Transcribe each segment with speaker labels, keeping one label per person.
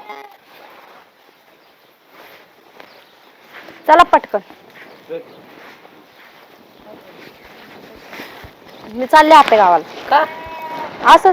Speaker 1: चला पटकन. मी चालले आत्या गावाला.
Speaker 2: का
Speaker 1: असंच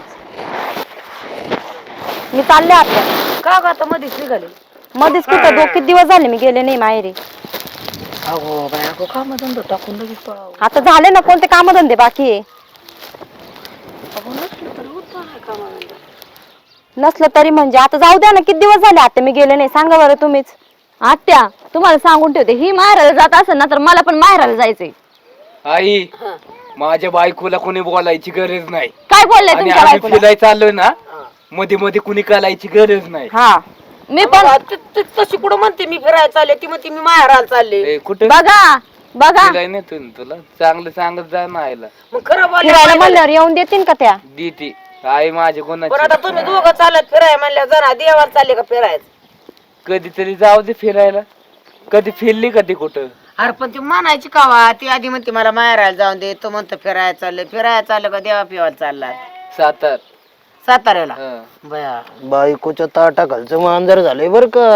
Speaker 1: मी चालले आत्या.
Speaker 2: का ग आता मध्येच निघाले?
Speaker 1: मध्येच कुठं किती दिवस झाले मी गेले नाही माहेरी.
Speaker 2: अगो बाय अगो काम धंदा टाकून लगेच पळावं.
Speaker 1: आता झाले ना कोणते कामधंदे बाकी आहे.
Speaker 2: अगो नसलं तर होतं ना कामधंदा.
Speaker 1: नसलं तरी म्हणजे आता जाऊ द्या ना. किती दिवस झाले आत्या मी गेले नाही सांगा बरं तुम्हीच.
Speaker 3: आत्या तुम्हाला सांगून ठेवते, ही माहेराला जात असेल ना तर मला पण माहेराला जायचंय.
Speaker 4: आई माझ्या बायकोला कोणी बोलायची गरज नाही.
Speaker 3: काय बोलले
Speaker 4: आणि
Speaker 3: तुमच्या
Speaker 4: आम्ही
Speaker 3: बायकोला?
Speaker 4: फिरायला चाललोय ना मध्ये मध्ये कुणी करायची गरज नाही.
Speaker 1: हा
Speaker 3: मी पण
Speaker 2: तशी कुठं म्हणते मी फिरायला चालले, ती म्हणते मी माहेराला चालले.
Speaker 4: कुठं
Speaker 3: बघा बघा
Speaker 4: फिराय नाही तुला चांगलं सांगत जा ना आईला.
Speaker 2: मग खरं बोलले
Speaker 1: फिरायला
Speaker 2: पाहिजे.
Speaker 1: म्हणल्यावर येऊन देतील का त्या?
Speaker 4: दीती आई माझ्या
Speaker 2: पण आता
Speaker 4: कोणाची
Speaker 2: तुम्ही दोघं चालत फिरायला म्हणल्या जरा देवाला चालले का फिरायचं?
Speaker 4: कधीतरी जाऊ दे फिरायला. कधी फिरली कधी कुठं?
Speaker 2: अरे पण ती म्हणायची कावा, ती आधी म्हणते मला माहेराला जाऊन दे, तो म्हणतो फिरायला चाललं का देवा पिवायला चालला
Speaker 4: सातार
Speaker 2: साताऱ्याला.
Speaker 4: हं.
Speaker 2: बया
Speaker 5: बायकोच्या ताटाखालचं मांजर झालंय बर का.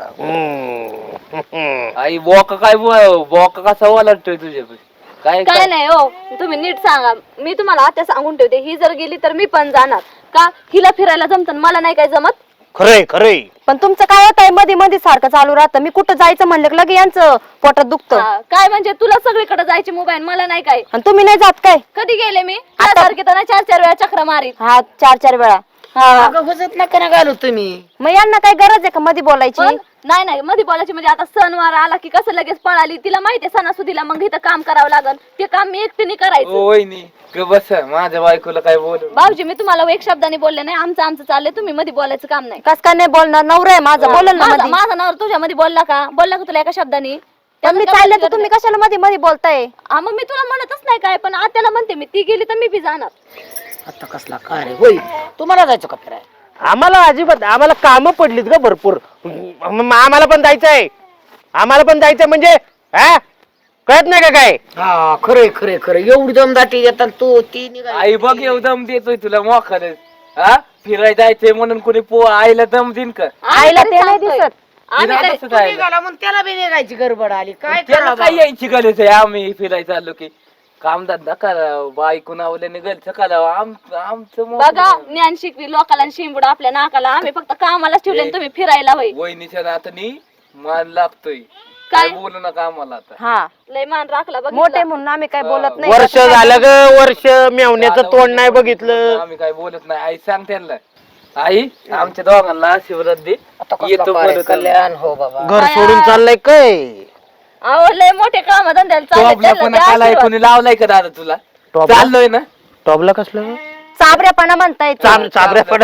Speaker 4: आई बॉक कसा ओलाटतोय तुझ्या काय
Speaker 3: काय नाही हो, तुम्ही नीट सांगा. मी तुम्हाला आत्या सांगून ठेवते, ही जर गेली तर मी पण जाणार. का हिला फिरायला जमत मला नाही काय जमत?
Speaker 5: खरंय खरंय.
Speaker 1: पण तुमचं काय होत आहे मध्ये मध्ये सारखं चालू राहतं. मी कुठं जायचं म्हणलं की लगे यांचं पोटात दुखतं.
Speaker 3: हा, काय म्हणजे तुला सगळीकडे जायची मोबाईल, मला नाही काय?
Speaker 1: आणि तुम्ही नाही जात काय?
Speaker 3: कधी गेले मी? सारखे तर 4-4 वेळा चक्र मारीत.
Speaker 1: हा 4-4 वेळा.
Speaker 2: अगं हुजत नका ना घालू तुम्ही.
Speaker 1: मग यांना काय गरज आहे का मध्ये बोलायची?
Speaker 3: पण नाही मध्ये बोलायची म्हणजे आता सणवार आला की कसं लगेच पळाली. तिला माहितीये सणासुदीला मग इथं काम करावं लागल. ते काम मी एकटीने करायचं.
Speaker 4: वहिनी बस माझ्या बायकोला काय बोलू.
Speaker 3: भाऊजी मी तुम्हाला एक शब्दाने बोलले नाही, आमचं चाललंय. तुम्ही मध्ये बोलायचं काम नाही.
Speaker 1: कस काय नाही बोलणार? नवरा आहे माझा, बोलल ना मध्ये.
Speaker 3: माझा नवरा तुझ्या मध्ये बोलला का तुला एका शब्दाने?
Speaker 1: पण मी चालले तर तुम्ही कशाला मध्ये मध्ये बोलताय?
Speaker 3: हा मग मी तुला म्हणतच नाही काय, पण आत्याला म्हणते मी, ती गेली तर मी बी जाणार.
Speaker 2: आता कसला काय रे होय, तुम्हाला जायचं का फिरायला?
Speaker 5: आम्हाला अजिबात आम्हाला कामं पडलीत ग भरपूर. आम्हाला पण जायचंय. म्हणजे हा कळत नाही का काय?
Speaker 2: हा खरे एवढी दमदाटी येतात तू ती निघाली.
Speaker 4: आई बघ येऊ दम देतोय तुला मोखाने. हा फिरायला जायचंय म्हणून कोणी आईला दम देईन का?
Speaker 1: आईला
Speaker 3: तरी
Speaker 1: ते नाही
Speaker 3: सांगतोय.
Speaker 1: दिसत.
Speaker 3: आम्ही
Speaker 4: तिला
Speaker 3: तरी-
Speaker 4: कसं
Speaker 2: तू
Speaker 4: जायला?
Speaker 2: निघाला म्हणून त्याला बी निघायची गडबड आली. काय
Speaker 4: त्याला
Speaker 2: करावं
Speaker 4: काय यायची गरज आहे? आम्ही फिरायला चाललो की काम धंदा करावं, बायको नावल्याने गलचं करावं. आमचं
Speaker 3: बघा ज्ञान शिकवी लोकाला आणि शिंबूड आपल्या नाकाला. आम्ही फक्त कामालाच ठेवले आणि तुम्ही फिरायला होई.
Speaker 4: वहिनीच्या नातानी मान लागतोय.
Speaker 3: काय?
Speaker 4: काय बोलू नका आम्हाला आता.
Speaker 1: हा
Speaker 3: लय मान राखला बघ.
Speaker 1: मोठे म्हणून आम्ही काय बोलत नाही.
Speaker 5: वर्ष झालं ग वर्ष मेवण्याचं तोंड नाही बघितलं.
Speaker 4: आम्ही काय बोलत नाही. आई सांग त्यांना. आई आमच्या दोघांना आशीर्वाद दे.
Speaker 2: आता कसला
Speaker 4: येतो
Speaker 2: काय
Speaker 4: परत.
Speaker 2: कल्याण हो बाबा.
Speaker 5: घर सोडून चाललंय काय?
Speaker 3: लय मोठे काम धंद्याला
Speaker 4: तो
Speaker 3: चालले.
Speaker 4: आपल्या पण काला कोणी लावलाय का दादा तुला?
Speaker 5: टॉपला?
Speaker 4: चाललोय ना.
Speaker 5: टॉबला कसलं
Speaker 1: चाबऱ्यापणा म्हणताय ते.
Speaker 5: चाबऱ्या पड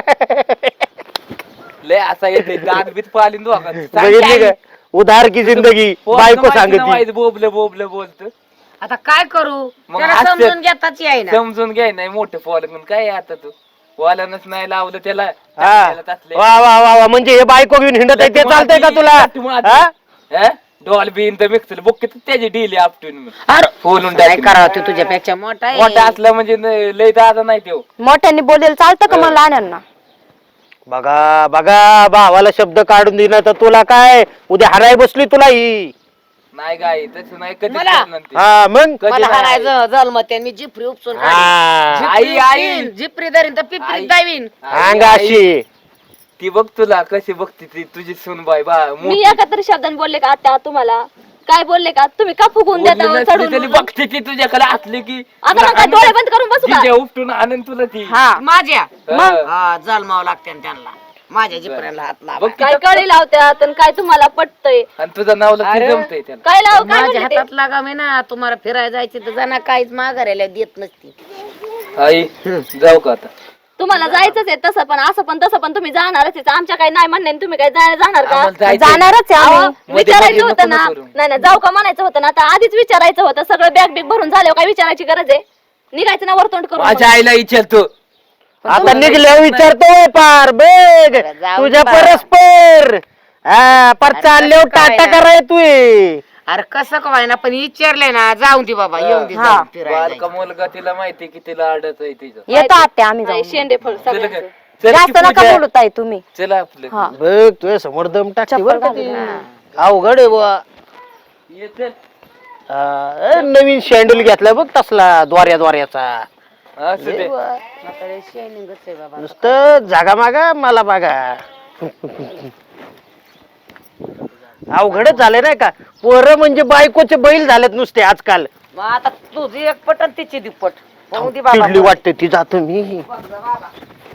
Speaker 4: लय असा येते दात बीत पालीन
Speaker 5: बघितली का? उधार की जिंदगी बायको सांगते.
Speaker 4: बोबले बोलत
Speaker 2: आता काय करू?
Speaker 4: मग
Speaker 2: त्याला
Speaker 4: हास्य-
Speaker 2: समजून घेताच येईना.
Speaker 4: समजून घ्याय नाही मोठे फॉल काय आता तू वालानच नाही लावलं त्याला.
Speaker 5: हा
Speaker 4: त्याला तसले.
Speaker 5: वा वा वा वा म्हणजे हे बायको घेऊन हिंडत आहे ते चालतंय का तुला? हा?
Speaker 4: डॉल बीन तर मिक्सर बुक त्याची डीली आपटून
Speaker 2: अरे
Speaker 4: फोलून
Speaker 2: काय
Speaker 4: टाकली.
Speaker 2: करावं ते तुझ्यापेक्षा मोठा आहे.
Speaker 4: मोठा असला म्हणजे लय दादा नाही तो.
Speaker 1: मोठ्यांनी बोलेल चालतं का मग लहान्यांना?
Speaker 5: बघा बघा भावाला शब्द काढून दिला तर तुला काय उद्या हराय बसली तुला ही.
Speaker 4: नाही गाय तसं नाही कधी
Speaker 2: मला?
Speaker 5: हा मग
Speaker 4: कधी
Speaker 2: मला
Speaker 4: नाही.
Speaker 2: हाणायचं जन्मते मी जिपरी उपसून
Speaker 5: हा.
Speaker 4: आई.
Speaker 2: जिपरी धरीन तर
Speaker 4: आई.
Speaker 2: पिपरीत दावीन.
Speaker 5: अंगाशी
Speaker 4: ती बघ तुला कशी बघती ती तुझी सुनबाई बा
Speaker 3: मी एका तरी शब्दाने बोलले का आत्या तुम्हाला? काय बोलले का? तुम्ही का फुगून देता हो चढून?
Speaker 4: बघते ती तुझ्याकडे असली की
Speaker 3: आता मग काय डोळे बंद करून बसू का?
Speaker 4: तिच्या उपटून आणून तुला ती.
Speaker 1: हा
Speaker 2: माझ्या
Speaker 4: हा.
Speaker 2: हा जन्मावं लागते ना त्यांना. माझ्या जिपऱ्याला हात लावा.
Speaker 4: बघ
Speaker 3: काय कळी लावत्यात आणि काय तुम्हाला पटतंय?
Speaker 4: आणि तुझं नावला ती
Speaker 2: अरे.
Speaker 4: जमतंय त्याला.
Speaker 3: काय लाव काय
Speaker 2: माझ्या
Speaker 3: म्हणले ते?
Speaker 2: हातात लागा मी ना. तुम्हाला फिरायला जायची तर जाणार काहीच माघारायला देत नसती.
Speaker 4: आई जाऊ का आता?
Speaker 3: तुम्हाला जायचंच आहे तसं पण असं पण तसं पण तुम्ही जाणारच आहे. आमच्या काही नाही म्हणणे तुम्ही काय जाणार का?
Speaker 4: आम्हाला जायचंय.
Speaker 1: जाणारच आहे
Speaker 3: अहो,
Speaker 1: आम्ही.
Speaker 4: मध्ये
Speaker 3: विचारायचं
Speaker 4: नको
Speaker 3: होतं ना.
Speaker 4: करू.
Speaker 3: नाही जाऊ का म्हणायचं होतं ना. आता आधीच विचारायचं होतं. सगळं बॅग बिग भरून झाल्यावर काय विचारायची गरज आहे? निघायचं ना वरतोंड करून.
Speaker 4: माझ्या आईला विचारतो.
Speaker 5: आता निघल्यावर विचारतोय पार बेग
Speaker 2: जाऊ
Speaker 5: तुझ्या
Speaker 2: दे
Speaker 5: परस्पर हा पर चालल्यावर
Speaker 2: काय
Speaker 5: टाटा
Speaker 2: ना.
Speaker 5: कराय तू
Speaker 2: अरे कसं काय ना पण विचारलंय ना. जाऊन दे बाबा येऊन दे
Speaker 1: हा.
Speaker 2: जाऊन फिरायला
Speaker 4: बालका मुलगा तिला माहिती की तिला अडत आहे तिचं.
Speaker 1: येतो आत्या आम्ही
Speaker 3: नाही,
Speaker 1: जाऊ.
Speaker 3: शेंडे फळ
Speaker 4: तुला
Speaker 3: सगळ्यांचं.
Speaker 4: काय चल की
Speaker 1: जास्त नका
Speaker 4: पूजा.
Speaker 1: बोलत आहे तुम्ही.
Speaker 4: चला आपलं
Speaker 1: हा.
Speaker 5: बघ तुझ्या समोर दम टाकते बरं का ती.
Speaker 1: चप्पल
Speaker 5: अवघड आहे बुवा.
Speaker 4: ये चल.
Speaker 5: नवीन शँडल घेतला बघ तसला द्वाऱ्याचा.
Speaker 4: असू दे.
Speaker 2: म्हातारे शायनिंगच आहे बाबा.
Speaker 5: नुसतं जागा मागा मला बघा. अवघडच झाले नाही का पोरं म्हणजे बायकोचे बैल झालेत नुसते आजकाल.
Speaker 2: मग आता तुझी एक पट आणि तिची दुप्पट होऊ दे बाबा.
Speaker 5: चिडली वाटते ती जातो मी.
Speaker 2: बघ जा बाबा.